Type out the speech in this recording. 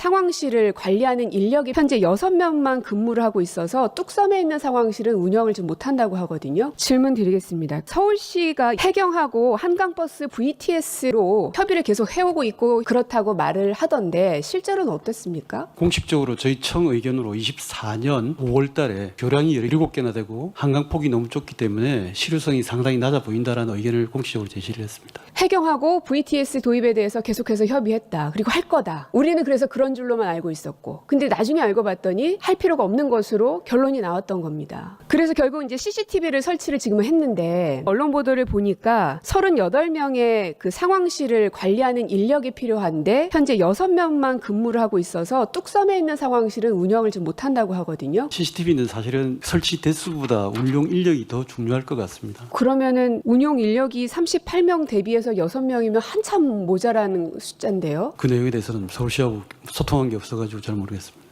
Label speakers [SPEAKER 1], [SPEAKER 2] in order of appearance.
[SPEAKER 1] 상황실을 관리하는 인력이 현재 6명만 근무를 하고 있어서 뚝섬에 있는 상황실은 운영을 좀 못한다고 하거든요. 질문 드리겠습니다. 서울시가 해경하고 한강버스 VTS로 협의를 계속 해오고 있고 그렇다고 말을 하던데 실제로는 어떻습니까?
[SPEAKER 2] 공식적으로 저희 청 의견으로 24년 5월 달에 교량이 17개나 되고 한강폭이 너무 좁기 때문에 실효성이 상당히 낮아 보인다라는 의견을 공식적으로 제시를 했습니다.
[SPEAKER 1] 해경하고 VTS 도입에 대해서 계속해서 협의했다. 그리고 할 거다. 우리는 그래서 그런 줄로만 알고 있었고. 근데 나중에 알고 봤더니 할 필요가 없는 것으로 결론이 나왔던 겁니다. 그래서 결국 이제 CCTV를 설치를 지금 했는데 언론 보도를 보니까 38명의 그 상황실을 관리하는 인력이 필요한데 현재 6명만 근무를 하고 있어서 뚝섬에 있는 상황실은 운영을 좀 못한다고 하거든요.
[SPEAKER 2] CCTV는 사실은 설치 대수보다 운용 인력이 더 중요할 것 같습니다.
[SPEAKER 1] 그러면은 운용 인력이 38명 대비해서 6명이면 한참 모자라는 숫자인데요.
[SPEAKER 2] 그 내용에 대해서는 서울시하고 소통한 게 없어가지고 잘 모르겠습니다.